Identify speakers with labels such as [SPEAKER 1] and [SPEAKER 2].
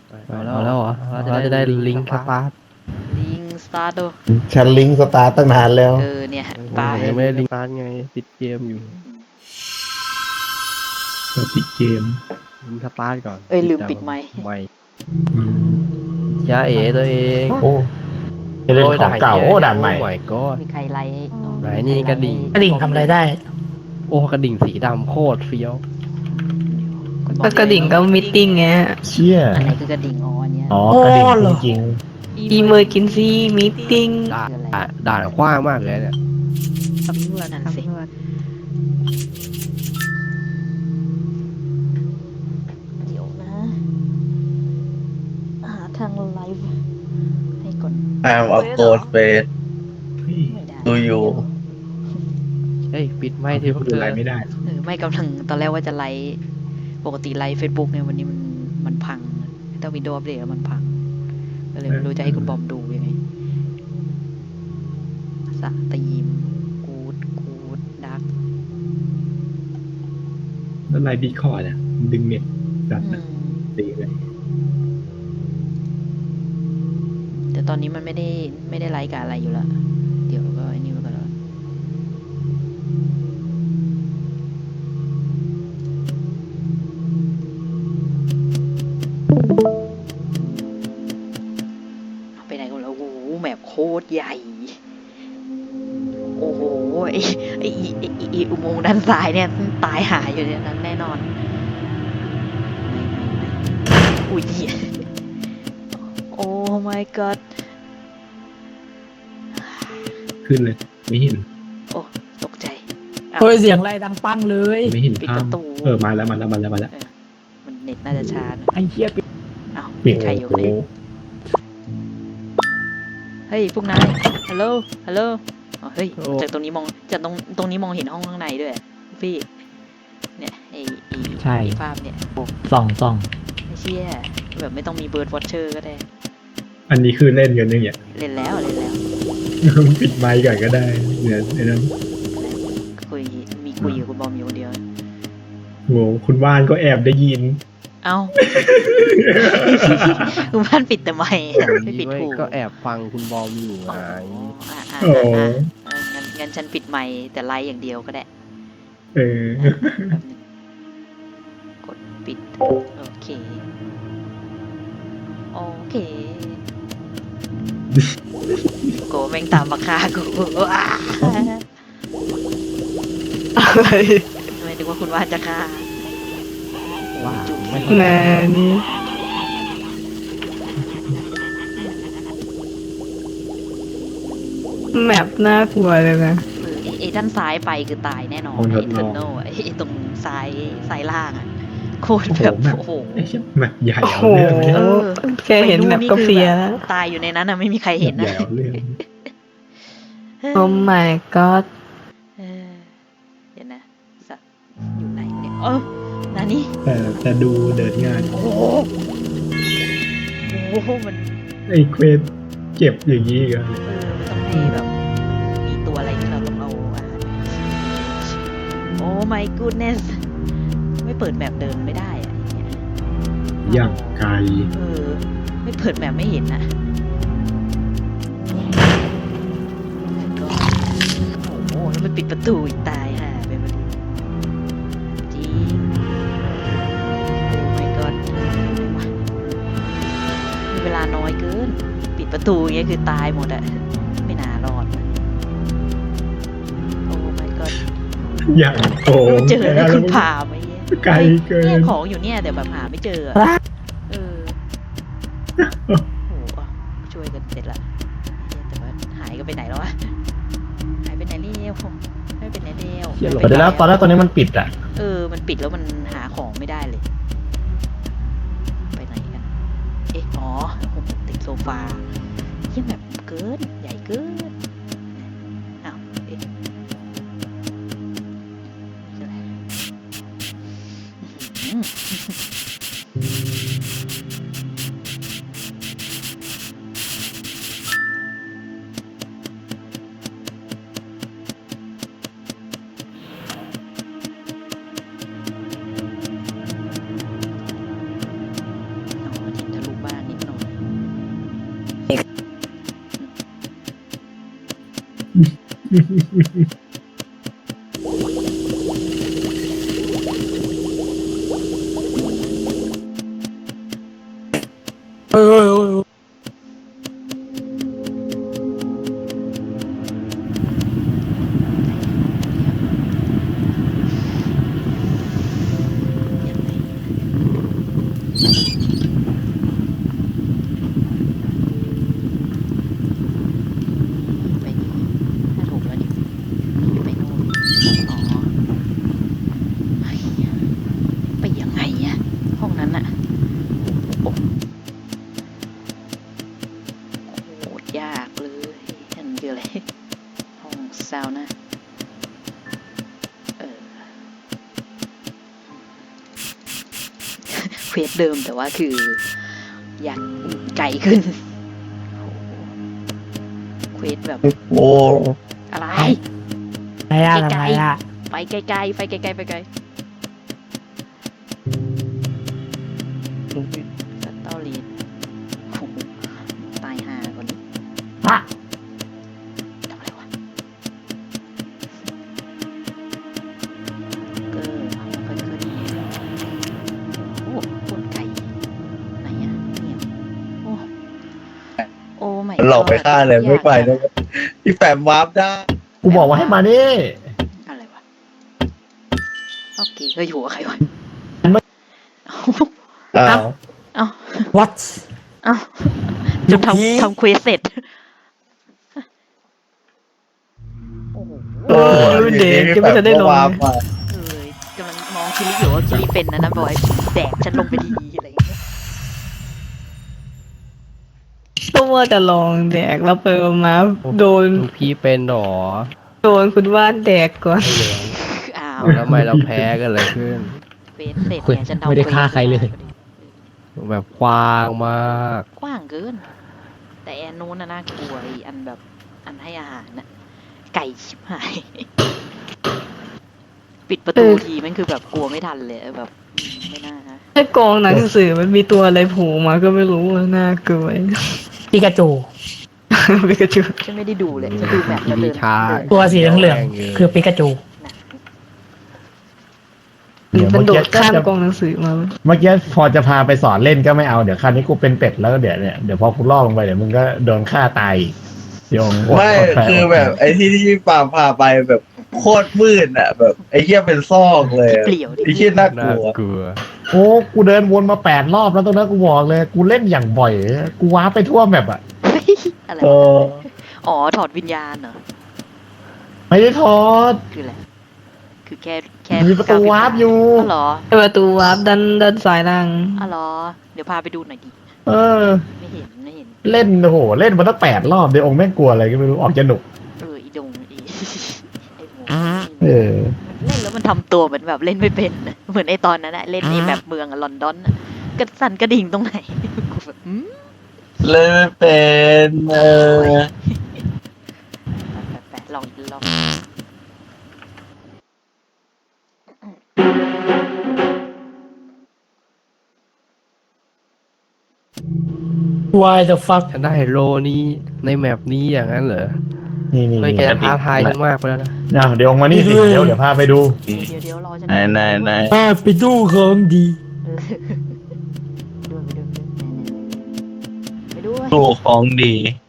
[SPEAKER 1] เอาแล้วเหรอเราจะได้ลิงก์สตาร์ท
[SPEAKER 2] ลิงสตาร์ทดู
[SPEAKER 3] ฉันลิงก์สตาร์ทตั้งนานแล้ว
[SPEAKER 2] เนี่ย
[SPEAKER 1] ผ
[SPEAKER 2] ปลาม
[SPEAKER 1] ยังไม่ได้ลิงก์สตาร์ทไงติดเกมอยู่
[SPEAKER 4] ก็ติดเกม
[SPEAKER 1] ลิงก์สตาร์ทก่อน
[SPEAKER 2] ลืมปิดไมค์
[SPEAKER 1] ไม่ยาเอ๋ตัวเอง
[SPEAKER 3] โอ้จะเล่นของเก่าโอ้ด่านใหม่
[SPEAKER 1] โอ้ my god
[SPEAKER 2] มีใครไลค์
[SPEAKER 1] ไหนนี่กระดิ่ง
[SPEAKER 5] กระดิ่งทำอะไรได้
[SPEAKER 1] โอ้กระดิ่งสีดำโคตรเฟี้ยว
[SPEAKER 5] ก็กระดิ่งก็มิทติ้งไง
[SPEAKER 3] เชี่ย
[SPEAKER 2] อะไรคือกระดิ่งอ๋ออันเนี้ย
[SPEAKER 3] อ๋อกระดิ่ง
[SPEAKER 5] เหรอ
[SPEAKER 3] จริง
[SPEAKER 5] อีเมอร์กินซี่มิทติ้ง
[SPEAKER 1] ด่านกว้างมากเลยเนี่ย
[SPEAKER 2] สำรวจนั่นสิเดี๋ยวนะหาทางไลฟ์ให้ก่อน
[SPEAKER 6] I'm a ghost face
[SPEAKER 2] ไม่ได้
[SPEAKER 6] do you
[SPEAKER 1] เฮ้ยปิดไม่ที่พวก
[SPEAKER 4] ดู
[SPEAKER 1] เธอ
[SPEAKER 4] อะไรไม่ได้
[SPEAKER 2] ไม่กำลังตอนแรกว่าจะไลฟ์ปกติไลฟ์ Facebook เนี่ยวันนี้มันพังแต่วินโดว์อัปเดตแล้วมันพังก็เลยไม่รู้จะให้คุณบอมดูยังไงสตรีมกูดดัก
[SPEAKER 4] แล้วไลน์ดีคอร์ดอ่ะดึงเน็ตจัดนะตีเลย
[SPEAKER 2] แต่ตอนนี้มันไม่ได้ไลฟ์กับอะไรอยู่แล้วเดี๋ยวก็ไอ้นี่มันก็แล้วไปไหนกันแล้วโอ้โหแมปโคตรใหญ่ โอ้โหไอ้อุโมงค์ด้านซ้ายเนี่ยตายหายอยู่ในนั้นแน่นอนอุ้ยโอ้ my god
[SPEAKER 4] ขึ้นเลย ไม่เห็น
[SPEAKER 2] โอ้ตกใจ
[SPEAKER 5] เฮ้ยเสียงอะไรดังปังเลย
[SPEAKER 4] ไม่เห็น
[SPEAKER 2] ปิด
[SPEAKER 4] ภา
[SPEAKER 2] ป
[SPEAKER 4] พ
[SPEAKER 2] ระตู
[SPEAKER 4] มาแล้ว
[SPEAKER 2] มันเน็ตน่าจะช้านะ
[SPEAKER 5] ไอ้เหี้ยปิด
[SPEAKER 2] อ้าว
[SPEAKER 3] ๆปิด
[SPEAKER 2] ใครอยู่
[SPEAKER 3] โอ้
[SPEAKER 2] เนี่ยเฮ้ยพวกนายฮัลโหลอ๋อเฮ้ยจากตรงนี้มองจากตรงนี้มองเห็นห้องข้างในด้วยพี่เนี่ยไอ้ภาพเนี่ย
[SPEAKER 5] ส่อง
[SPEAKER 2] ไม่เชี่ยแบบไม่ต้องมีเบิร์ดวอชเชอร์ก็ได้
[SPEAKER 4] อันนี้คือเล่นกันเนี่ย
[SPEAKER 2] เล่นแล้ว
[SPEAKER 4] ปิดไมค์ก่อนก็ได้เนี่ยไอ้นั้น
[SPEAKER 2] คุยกับคุณบอมอยู่คนเดียว
[SPEAKER 4] โง่คุณว่านก็แอบได้ยิน
[SPEAKER 2] เอ้า คุณบ้านปิดแต่ไม่ไม่ปิด
[SPEAKER 1] ไว้
[SPEAKER 2] หู
[SPEAKER 1] ก็แอบฟังคุณบอมอยู่ไง
[SPEAKER 4] โอ้
[SPEAKER 2] งั้นฉันปิดไมค์แต่ไลฟ์อย่างเดียวก็ได้
[SPEAKER 4] เออ
[SPEAKER 2] แป๊บนึงกดปิด โอเค โกแม่งตามมาฆ่ากูอ้า
[SPEAKER 5] อะไร
[SPEAKER 2] ไม่นึกว่าคุณว่าจะฆ่า
[SPEAKER 1] ว่าไม่
[SPEAKER 5] แน่นี่แมปน่ากลัวเลยนะ
[SPEAKER 2] ไอ้ด้านซ้ายไปคือตายแน่นอน
[SPEAKER 4] โอ้โห
[SPEAKER 2] ไอ้เทอร์โนไอ้ตรงซ้ายล่างอะโคตร
[SPEAKER 4] โอ้โห
[SPEAKER 2] แบบ
[SPEAKER 4] แบบ
[SPEAKER 2] โอ้โห
[SPEAKER 4] ไอ้เชี่ยแบบใหญ่
[SPEAKER 5] โอ้
[SPEAKER 4] เอา
[SPEAKER 5] โห
[SPEAKER 4] เรื่องเลย
[SPEAKER 2] เออ
[SPEAKER 5] แค่เห็นแมปก็เพลียแล้ว
[SPEAKER 2] ตายอยู่ในนั้นอะไม่มีใครเห็น
[SPEAKER 4] ใหญ่
[SPEAKER 2] นะ
[SPEAKER 4] เอาเรื่อง
[SPEAKER 5] โอ้ my god
[SPEAKER 2] เออเดี๋ยวนะสัตว์อยู่ไหนเนี่ยนานี่
[SPEAKER 4] แต่ดูเดินงาน
[SPEAKER 2] โอ้โหมัน
[SPEAKER 4] ไอ้เควสเก็บอย่างนี้กัน
[SPEAKER 2] มันต้องให้แบบมีตัวอะไรที่เราต้องเอาอาหารโอ้ my goodness ไม่เปิดแมปเดินไม่ได้อะอย่างเงี้ย
[SPEAKER 4] อย่างไกล
[SPEAKER 2] ไม่เปิดแมปไม่เห็นนะโอ้โหแล้วมันปิดประตูอีกตายห่าไปมันจริงโอ้ my god มีเวลาน้อยเกิน ปิดประตูอย่างเงี้ยคือตายหมดอะไม่น่ารอดโอ้ my god
[SPEAKER 4] อย่างโกง
[SPEAKER 2] เจอแล้วคุณผ่าไหมเนี่ย
[SPEAKER 4] ไกลเกิน
[SPEAKER 2] เนี่ยของอยู่เนี่ยแต่แบบหาไม่เจออะเออโอ้โหช่วยกันเสร็จละแต่ว่าหายก็ไปไหนแล้ววะหายไปไหนเร็วไม่ไปไหนเร็ว
[SPEAKER 3] เดี๋ยวแล้วตอนแรกตอนนี้มันปิดอ่ะ
[SPEAKER 2] มันปิดแล้วมันหาของไม่ได้เลย ไปไหนกันอ๋อผมติดโซฟาเยี่ยแบบเกินใหญ่เกินอ้าวนี่อะไรอื้อหือเอามาทิ้งทะลุบ้านไปนี่ถ้าถูกแล้วดิไปโน่นอ๋อเฮ้ยไปยังไงอะห้องนั้นอะโอ้โหยากเลยนั่นคืออะไรห้องซาวน่าเควสเดิมแต่ว่าคืออยากไกลขึ้นเควสแบบ
[SPEAKER 6] โอ้
[SPEAKER 2] อะไร
[SPEAKER 5] อะไรอะทำไมอะ
[SPEAKER 2] ไปไกลๆไปไกลๆไปไกลสตอรี่โอ้โหตายห่าก่อนดิ
[SPEAKER 3] ฮะ
[SPEAKER 2] ทำอะไรวะเกอร์ห้องเกอร์นี่โอ้คนไก่ไหนอะเนี่ยโอ้โอ้ไม่
[SPEAKER 6] หลอกไปฆ่าเลยไม่ไปเลยพี่แปมวาร์ปได้
[SPEAKER 3] กูบอกว่าให้มานี่
[SPEAKER 2] อะไรวะโอเคก็อยู่กับใครวะ
[SPEAKER 6] อ้าว
[SPEAKER 2] เอ้า
[SPEAKER 5] what
[SPEAKER 2] เอ้าจนทำเควสเสร็จโอ้โห
[SPEAKER 3] เออ
[SPEAKER 5] เด็กยังไม่ทันได้ลง
[SPEAKER 6] วาร์ปมา
[SPEAKER 2] เลยกำลังมองคิริอยู่ว่าคิริเป็นนะบอยแดกฉันลงไปดีอะไรอย่างเงี้ย
[SPEAKER 5] ก็ว่าจะลองแดกแล้วไปมาโดน
[SPEAKER 1] ลูกพี่เป็นหรอ
[SPEAKER 5] คุณว่านแดกก่อน
[SPEAKER 2] อ้าว
[SPEAKER 1] ทำไมเราแพ้กันเลยขึ้น
[SPEAKER 2] เควสเสร็จเนี่ยฉันทำ
[SPEAKER 4] ไม่ได้ฆ่าใครเลย
[SPEAKER 1] แบบกว้างมาก
[SPEAKER 2] กว้างเกิน แต่แอนนู้นน่ะน่ากลัวไอ้อันแบบอันให้อาหารน่ะไก่ชิบหาย ปิดประตูทีมันคือแบบกลัวไม่ทันเลยแบบไม่น่านะ
[SPEAKER 5] ไอ้กองหนังสือมันมีตัวอะไรโผล่มาก็ไม่รู้อะน่ากลัว
[SPEAKER 7] ปิกาจู
[SPEAKER 5] ปิกาจู
[SPEAKER 2] ฉันไม่ได้ดูเลยฉันดูแบบแล้วเดิน
[SPEAKER 1] ช้า
[SPEAKER 2] เดิน
[SPEAKER 7] ตัวสีเหลืองๆคือปิกาจู
[SPEAKER 3] เดี๋ยว
[SPEAKER 5] มัน
[SPEAKER 3] เมื่อ
[SPEAKER 5] โด
[SPEAKER 3] กี้
[SPEAKER 5] ดข้ามกองหนังสือมา
[SPEAKER 3] เมื่อกี้พอจะพาไปสอนเล่นก็ไม่เอาเดี๋ยวคราวนี้กูเป็นเป็ดแล้วก็เดี๋ยวพอกูล่อลงไปเดี๋ยวมึงก็โดนฆ่าตายอีกโยง
[SPEAKER 6] ไม่คือแบบไอ้ที่พี่ปาล์มพาไปแบบโคตรมืดอ่ะ แบบไอ้เหี้ยเป็นซอกเลยอะ
[SPEAKER 2] เปลี่ยวดิ
[SPEAKER 6] ไอ้เหี้ยน่าก
[SPEAKER 1] น่า
[SPEAKER 6] ลัว
[SPEAKER 1] กลัว
[SPEAKER 3] โอ้กูเดินวนมา8 รอบแล้วตรงนั้นกูบอกเลย กูเล่นอย่างบ่อย กูว้าร์ปไปทั่วแมปอ่ะ
[SPEAKER 2] เฮ้ยอะไร
[SPEAKER 6] เอ
[SPEAKER 2] วะ
[SPEAKER 6] อ
[SPEAKER 2] อ๋อถอดวิญญาณเหรอ
[SPEAKER 3] ไม่ได้ทอด
[SPEAKER 2] คืออะไรคือแค่
[SPEAKER 3] มีประตูวาร์ปอยู่
[SPEAKER 2] อ๋อเหรอ
[SPEAKER 5] ประตูวาร์ปด้านซ้ายล่าง
[SPEAKER 2] อ๋อเหรอเดี๋ยวพาไปดูหน่อยดิ
[SPEAKER 3] เออ
[SPEAKER 2] ไม่เห็น
[SPEAKER 3] เล่นโอ้โหเล่นมาตั้ง8 รอบเดี๋ยวองค์แม่งกลัวอะไรก็ไม่รู้ออกจะหนุก
[SPEAKER 2] อีดงไอ้หมู
[SPEAKER 3] เออ
[SPEAKER 2] เล่นแล้วมันทำตัวเหมือนแบบเล่นไม่เป็นน่ะเหมือนไอ้ตอนนั้นอะเล่นไอ้แบบเมืองอะลอนดอนอะกระสั่นกระดิ่งตรงไหนกูแบบ
[SPEAKER 6] เล่นไม่เป็น
[SPEAKER 2] แปะลองอีกรอบ
[SPEAKER 7] Why the fuck
[SPEAKER 1] ฉันได้โลนี้ในแมปนี้อย่างนั้นเหรอ
[SPEAKER 3] นี่
[SPEAKER 1] เฮ้ยแกท้าทายฉันมากไปแล้วนะ
[SPEAKER 3] เดี๋ยวองค์มานี่สิเดี๋ยวพาไปดู
[SPEAKER 2] เดี๋ยวรอฉัน
[SPEAKER 6] ไหน
[SPEAKER 7] ป้าไปดูของดี
[SPEAKER 2] ไปด้วย
[SPEAKER 6] ดูของดี